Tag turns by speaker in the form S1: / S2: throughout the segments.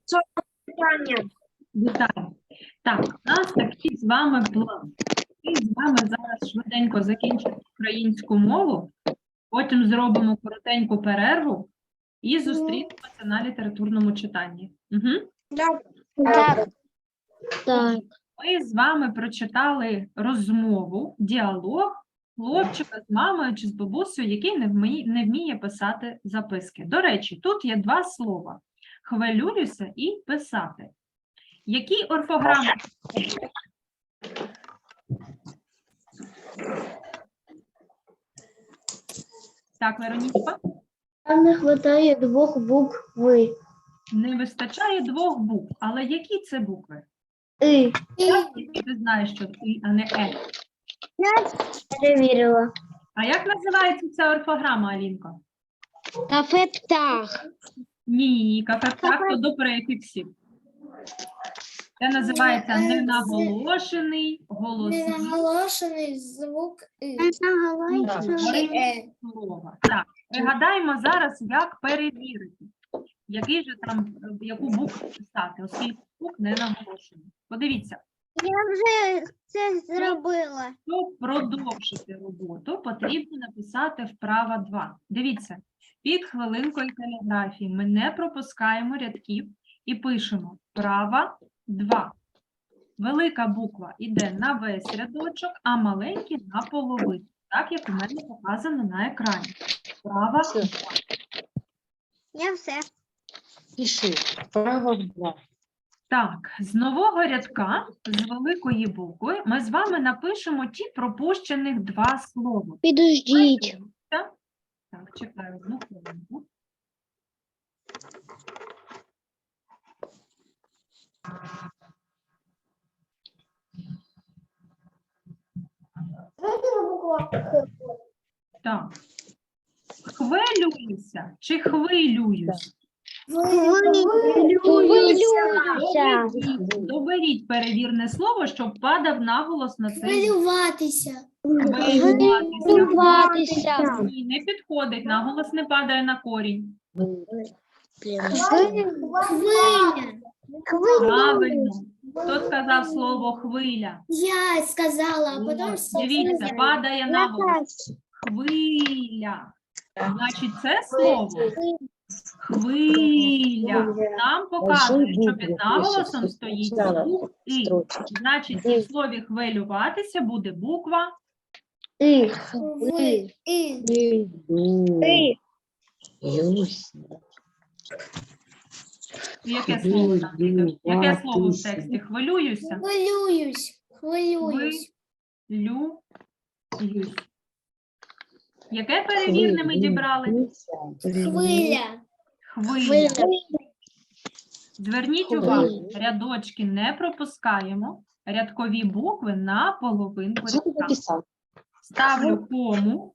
S1: Вітаю. Так, у нас такий з вами план. Ми з вами зараз швиденько закінчимо українську мову, потім зробимо коротеньку перерву і зустрінемося на літературному читанні. Угу.
S2: Так.
S1: Ми з вами прочитали розмову, діалог хлопчика з мамою чи з бабусею, який не вміє писати записки. До речі, тут є два слова – хвилююся і писати. Які орфограми? Так, Веронічка?
S2: Там не вистачає двох букв «ви».
S1: Не вистачає двох букв. Але які це букви?
S2: «И».
S1: Ти знаєш, що «и», а не «е».
S2: Перевірила.
S1: А як називається ця орфограма, Алінко?
S2: Кафе «Птах».
S1: Ні, кафе-птах то до префіксів. Це називається ненаголошений голосний
S3: Ненаголошений звук «и».
S1: слова. Так, пригадаємо зараз, як перевірити, яку букву писати, оскільки звук не наголошений. Подивіться.
S2: Я вже це зробила.
S1: Щоб продовжити роботу, потрібно написати вправа 2. Дивіться, під хвилинкою каліграфії ми не пропускаємо рядків і пишемо вправа 2. Велика буква йде на весь рядочок, а маленькі на половину, так як у мене показано на екрані. Вправа 2.
S2: Я все.
S4: Пиши. Право 2.
S1: Так, з нового рядка, з великої букви, ми з вами напишемо ті пропущених два слова.
S2: Підождіть.
S1: Так, чекаю одну хвилинку. Так. Хвилююся чи хвилююсь? Доберіть перевірне слово, щоб падав наголос на цей.
S3: Хвилюватися.
S2: Хвилюватися.
S1: Ні, не підходить, наголос не падає на корінь.
S3: Хвиля.
S1: Правильно. Хто сказав слово хвиля?
S3: Я сказала, а потім всі
S1: Дивіться,
S3: сказали.
S1: падає наголос. Хвиля. Значить, це слово хвиля нам показує, що під наголосом стоїть звук «и». Значить, у слові хвилюватися буде буква
S2: «И».
S3: Ви. І.
S1: яке слово там? Віка? Яке слово в тексті? Хвилююся?
S3: Хвилююсь. Хвилююсь.
S1: Хвилююсь. Яке перевірне ми дібрали?
S3: Хвиля.
S1: Хвиля. Зверніть увагу, рядочки не пропускаємо, рядкові букви на половинку
S4: Що ти
S1: рядка.
S4: написав?
S1: Ставлю кому,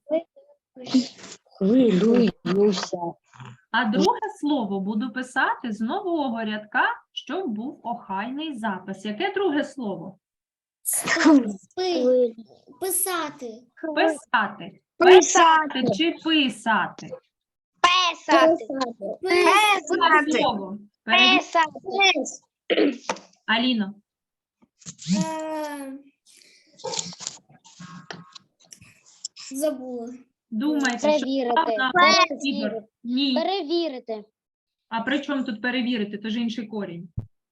S4: Хвилююся.
S1: а друге слово буду писати з нового рядка, щоб був охайний запис. Яке друге слово?
S3: Спи. Писати.
S1: Писати. Писати чи писати? Друге слово. Аліно.
S3: Е, Забула.
S1: Думайте, що
S2: Перевірити.
S1: правда Ігор? Ні.
S2: Перевірити.
S1: А при чому тут перевірити? То ж інший корінь.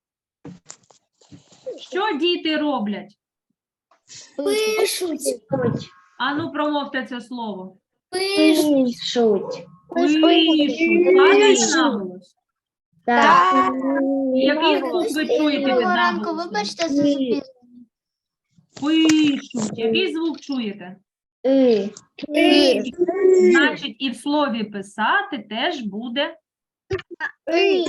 S1: Що діти роблять?
S3: Пишуть.
S1: Ану, промовте це слово.
S3: Пишуть.
S1: Пишуть. Падає наголос. Який звук ви чуєте під наголосом?
S3: Вибачте за запізнення.
S1: Пишуть. Який звук чуєте? Значить, і в слові писати теж буде «и».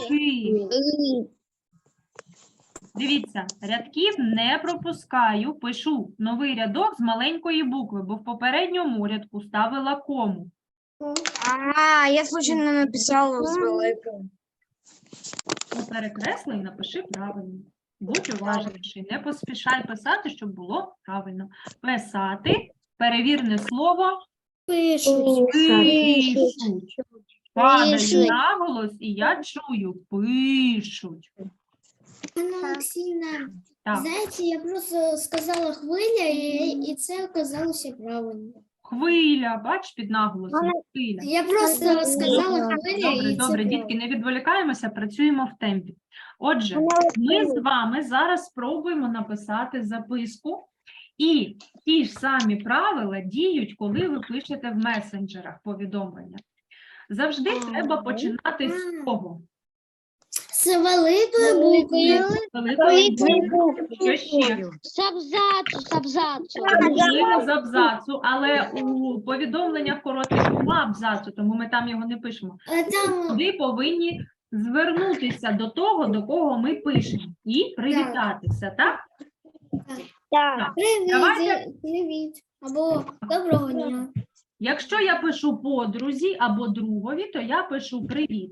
S1: Дивіться, рядків не пропускаю, пишу новий рядок з маленької букви, бо в попередньому рядку ставила кому.
S3: Я случайно написала з великою.
S1: Перекресли і напиши правильно. Будь уважніший, не поспішай писати, щоб було правильно. Писати, перевірне слово,
S3: Пишуть.
S1: пишуть. Падає
S3: Пишуть.
S1: наголос, і я чую, пишуть.
S2: Анна Олексійовна,
S1: Так,
S2: знаєте, я просто сказала хвиля, і це оказалося правильно.
S1: хвиля, бач, під наголосом, хвиля.
S2: Я просто сказала хвиля,
S1: Добре,
S2: і це
S1: добре,
S2: правильно.
S1: дітки, не відволікаємося, працюємо в темпі. Отже, ми з вами зараз спробуємо написати записку, і ті ж самі правила діють, коли ви пишете в месенджерах повідомлення. Завжди треба починати з того.
S2: З великої букви.
S1: Великої букви. Що ще?
S3: З абзацу.
S1: Можливо, з абзацу, але у повідомленнях коротких нема абзацу, тому ми там його не пишемо.
S2: Там
S1: Ви повинні звернутися до того, до кого ми пишемо, і привітатися, так? Так. Давайте.
S2: привіт, привіт. Або доброго дня.
S1: Якщо я пишу подрузі або другові, то я пишу привіт.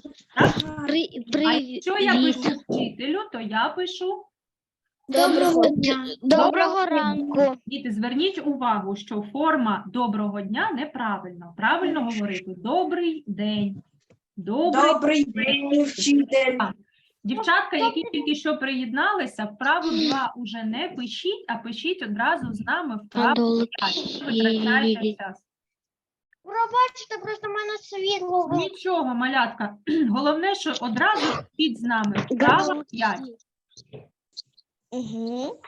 S1: А якщо я пишу вчителю, то я пишу
S2: Доброго дня.
S3: Доброго ранку.
S1: Діти, зверніть увагу, що форма доброго дня неправильно. Правильно говорити добрий день. Добрий
S5: день, вчитель.
S1: Дівчатка, які тільки що приєдналися, вправу 2 уже не пишіть, а пишіть одразу з нами вправу 5. Ви витрачаєте час.
S3: Пробачте, просто в мене світло.
S1: Нічого, малятка. Головне, що одразу пишіть з нами вправа 5.
S3: Угу.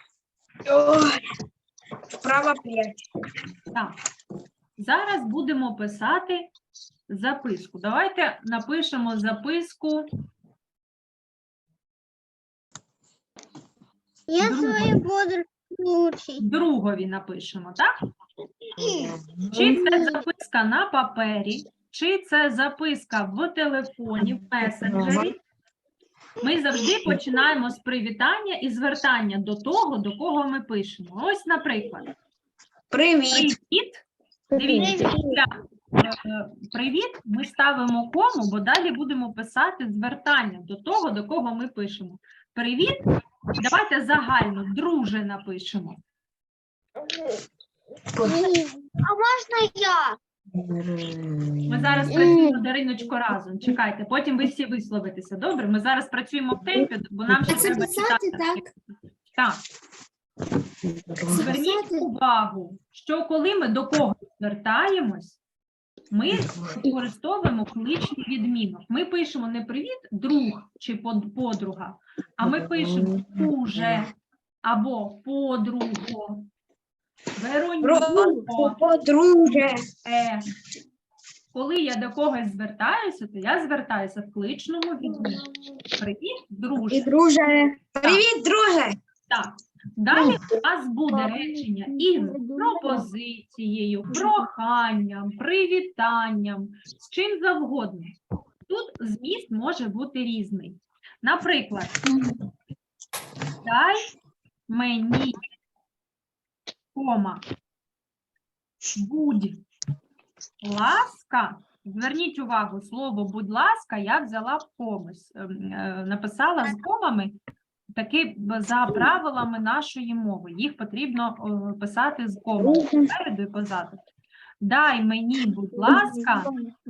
S5: Вправа 5.
S1: Так. Зараз будемо писати записку. Давайте напишемо записку.
S3: Я
S1: Друге.
S3: свою подружку учить.
S1: Другові напишемо, так? Чи це записка на папері, чи це записка в телефоні, в месенджері. Ми завжди починаємо з привітання і звертання до того, до кого ми пишемо. Ось, наприклад,
S5: Привіт.
S1: привіт. Дивіться, після привіт ми ставимо кому, бо далі будемо писати звертання до того, до кого ми пишемо. Привіт. Давайте загально, друже напишемо.
S3: А можна я?
S1: Ми зараз працюємо, Дариночко, разом. Чекайте, потім ви всі висловитеся. Добре? Ми зараз працюємо в темпі, бо нам ще
S2: А це
S1: треба
S2: писати
S1: читати.
S2: так?
S1: Так. Зверніть увагу, що коли ми до кого звертаємось, ми використовуємо кличний відмінок. Ми пишемо не привіт, друг чи подруга, а ми пишемо друже або подруго, Веронюко.
S5: Подружжя.
S1: Коли я до когось звертаюся, то я звертаюся в кличному відмінку. Привіт, друже.
S5: І друже. Привіт, друже.
S1: Так. Далі у нас буде речення із пропозицією, проханням, привітанням, з чим завгодно. Тут зміст може бути різний. Наприклад, дай мені, кома, будь ласка. Зверніть увагу, слово «будь ласка» я взяла в комусь, написала з комами, таки за правилами нашої мови. Їх потрібно писати з комами попереду і позаду. Дай мені, будь ласка,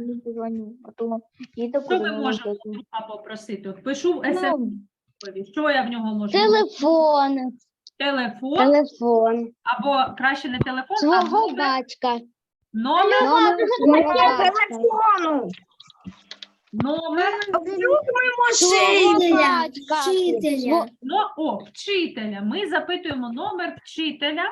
S1: що ми можемо друга попросити? От пишу в СМС, що я в нього можу?
S3: Телефон.
S1: Телефон,
S3: Телефон.
S1: або краще не телефон, а
S3: Свого
S1: номер,
S3: батька.
S1: номер,
S3: Номер свого батька.
S5: Телефону.
S1: номер,
S3: Свого
S2: Вчителя.
S3: батька.
S2: Вчителя.
S1: вчителя. Ми запитуємо номер вчителя.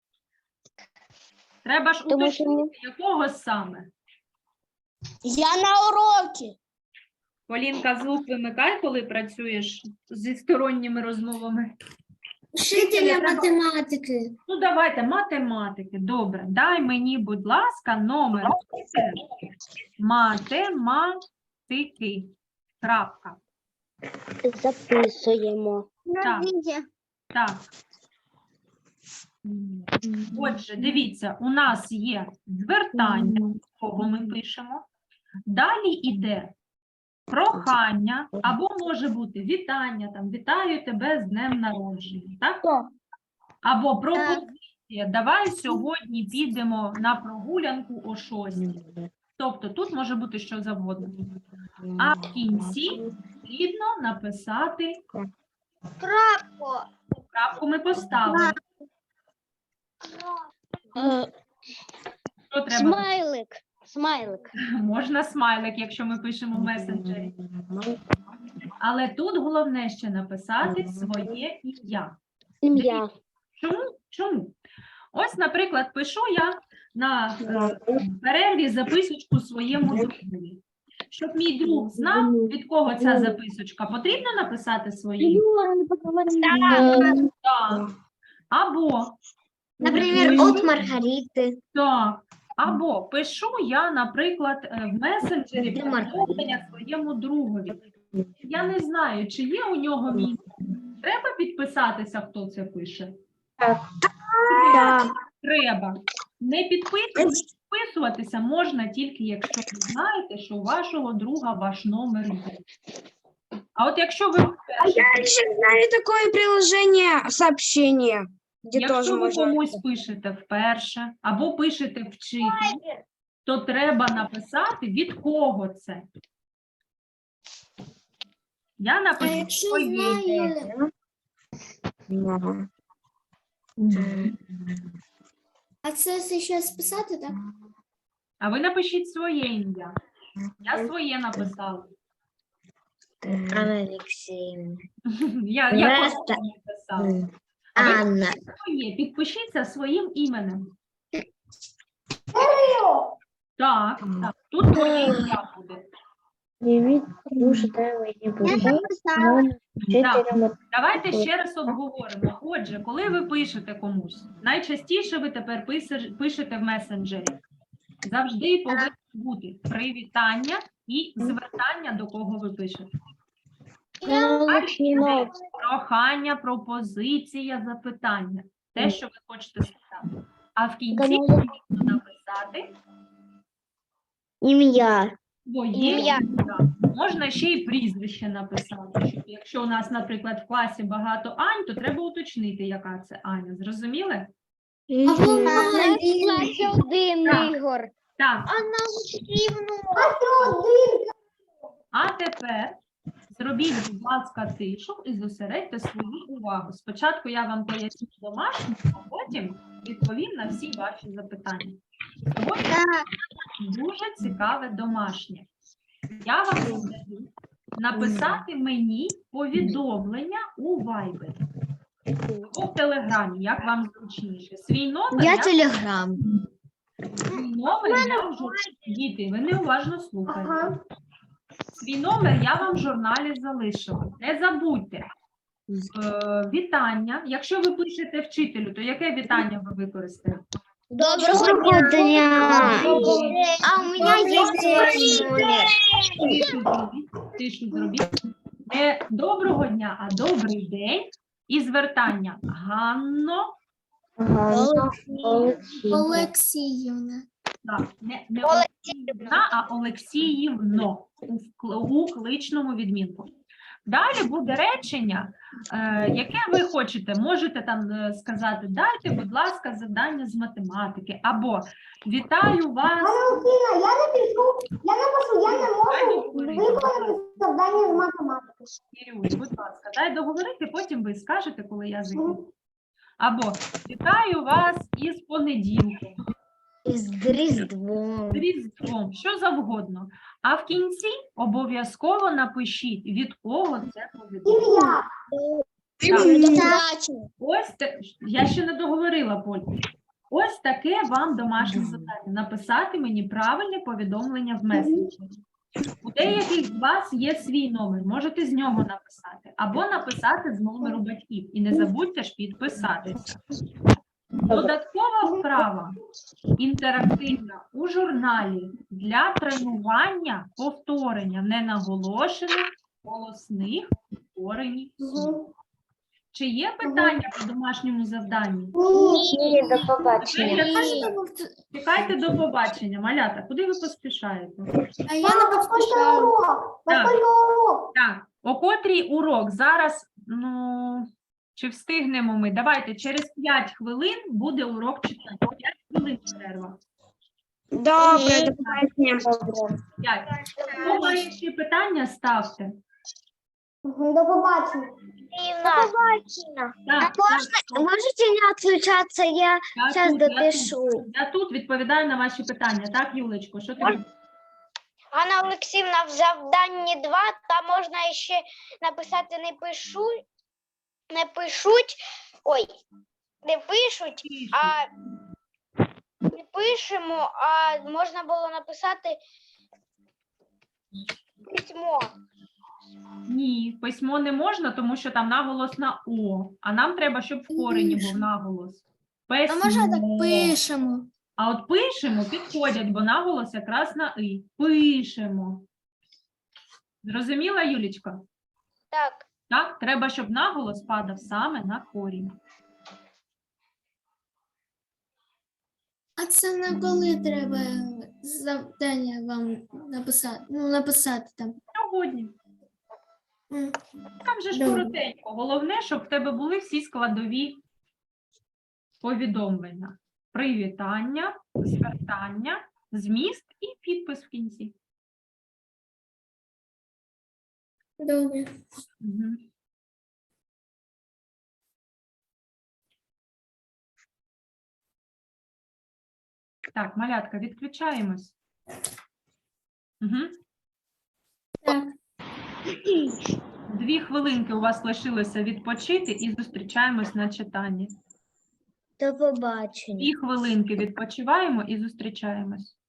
S1: Треба ж
S3: Тому що
S1: уточнити, якого саме.
S3: Я на уроці.
S1: Полінка, звук вимикай, коли працюєш зі сторонніми розмовами.
S2: Вчителя математики.
S1: Ну, давайте, математики. Добре. Дай мені, будь ласка, номер вчителя математики. Крапка.
S3: Записуємо.
S1: Так. Так. Отже, дивіться, у нас є звертання, кого ми пишемо. Далі йде прохання, або може бути вітання, там, вітаю тебе з днем народження, так? Або пропозиція, давай сьогодні підемо на прогулянку о 6. Тобто тут може бути що завгодно. А в кінці потрібно написати
S3: Крапку.
S1: крапку ми поставили. Що треба?
S3: Смайлик. Смайлик.
S1: Можна смайлик, якщо ми пишемо в месенджері. Але тут головне ще написати своє ім'я.
S3: Ім'я.
S1: Чому? Ось, наприклад, пишу я на перерві записочку своєму другові. Щоб мій друг знав, від кого ця записочка, потрібно написати своє ім'я? Так. Або,
S3: Наприклад, от Маргарити.
S1: так. Або пишу я, наприклад, в месенджері
S3: Де Маргарита?
S1: повідомлення своєму другові. Я не знаю, чи є у нього мій. Треба підписатися, хто це пише?
S3: Так.
S1: Треба. Не підписуватися можна тільки, якщо ви знаєте, що у вашого друга ваш номер є. А от якщо ви вперше,
S5: Я еще знаю такое приложение сообщения, где тоже
S1: якщо ви
S5: можно.
S1: комусь пишете вперше або пишете вчителю, то треба написати, від кого це. Я
S2: А
S1: напишу
S2: якщо
S1: своє ім'я.
S2: знаю, а це ще списати, так?
S1: А ви напишіть своє ім'я. Я своє написала.
S3: Анна Алексеевна.
S1: Я
S3: Настя.
S1: просто написала. А ви
S3: Анна.
S1: своє, підпишіться своїм іменем. Так, так. Тут моє ім'я буде. Давайте ще раз обговоримо. Отже, коли ви пишете комусь, найчастіше ви тепер пишете в месенджері. Завжди повинно бути привітання і звертання, до кого ви пишете. Прохання, пропозиція, запитання. Те, що ви хочете сказати. А в кінці потрібно написати
S3: Ім'я.
S1: своє
S3: Ім'я.
S1: ім'я. Можна ще й прізвище написати. Щоб якщо у нас, наприклад, в класі багато Ань, то треба уточнити, яка це Аня. Зрозуміли?
S2: Або Марина.
S3: Один
S1: Так.
S3: Ігор.
S1: Так,
S3: Анна Олексіївна.
S1: а тепер зробіть, будь ласка, тишу і зосередьте свою увагу. Спочатку я вам поясню домашнє, а потім відповім на всі ваші запитання. Сьогодні дуже цікаве домашнє. Я вам задаю написати мені повідомлення у Viber або в Телеграмі, як вам зручніше. Свій номер
S3: Телеграм.
S1: я вже... Діти, ви неуважно слухаєте. Свій номер я вам в журналі залишила. Не забудьте. Вітання. Якщо ви пишете вчителю, то яке вітання ви використаєте?
S3: Доброго дня. А у мене є номер.
S1: Тишу зробіть. Не доброго дня, а добрий день. І звертання. Ганно.
S2: Олексіївна.
S1: Так, не Олексіївна, а Олексіївно у кличному відмінку. Далі буде речення, яке ви хочете. Можете там сказати, дайте, будь ласка, завдання з математики. Або вітаю вас.
S6: Я не можу виконати завдання з математики.
S1: Ірюсь, будь ласка, дай договорити, потім ви скажете, коли я закінчу. Або вітаю вас із понеділком.
S3: З Різдвом.
S1: З Різдвом, що завгодно. А в кінці обов'язково напишіть, від кого це повідомлення. Ось я ще не договорила, Поль. Ось таке вам домашнє завдання. Написати мені правильне повідомлення в месенджері. У деяких з вас є свій номер, можете з нього написати. Або написати з номеру батьків. І не забудьте ж підписатися. Додаткова вправа інтерактивна у журналі для тренування повторення ненаголошених голосних повторень слів. Чи є питання по домашньому завданню?
S3: Ні, до побачення.
S1: Чекайте до побачення. Малята, куди ви поспішаєте?
S2: А я не поспішаю.
S1: Так. Так, о котрій урок? Зараз, чи встигнемо ми? Давайте, через 5 хвилин буде урок читання. 5 хвилин перерва.
S5: Добре, до побачення.
S1: 5. Хто має ще питання, ставте.
S6: До побачення.
S1: Так,
S3: Можете не отключаться, я
S1: я тут,
S3: допишу.
S1: Я тут відповідаю на ваші питання. Так, Юлечко, що ти?
S3: Анна Олексіївна, в завданні 2 там можна ще написати не пишуть, не пишемо, а можна було написати письмо.
S1: Ні, письмо не можна, тому що там наголос на О. А нам треба, щоб в корені був наголос.
S2: А може так
S1: Письмо.
S2: пишемо?
S1: А от пишемо підходять, бо наголос якраз на «и». Пишемо. Зрозуміла, Юлічка?
S3: Так,
S1: Так, треба, щоб наголос падав саме на корінь.
S2: А це на коли треба завдання вам написати? Ну, написати там.
S1: Сьогодні.
S2: М.
S1: Там же ж
S2: Добре.
S1: коротенько. Головне, щоб в тебе були всі складові повідомлення. Привітання, звертання, зміст і підпис в кінці.
S2: Добре.
S1: Мгм. Так, малятка, відключаємось. Угу.
S2: Так.
S1: 2 хвилинки у вас лишилося відпочити і зустрічаємось на читанні.
S3: до побачення.
S1: 2 хвилинки відпочиваємо і зустрічаємось.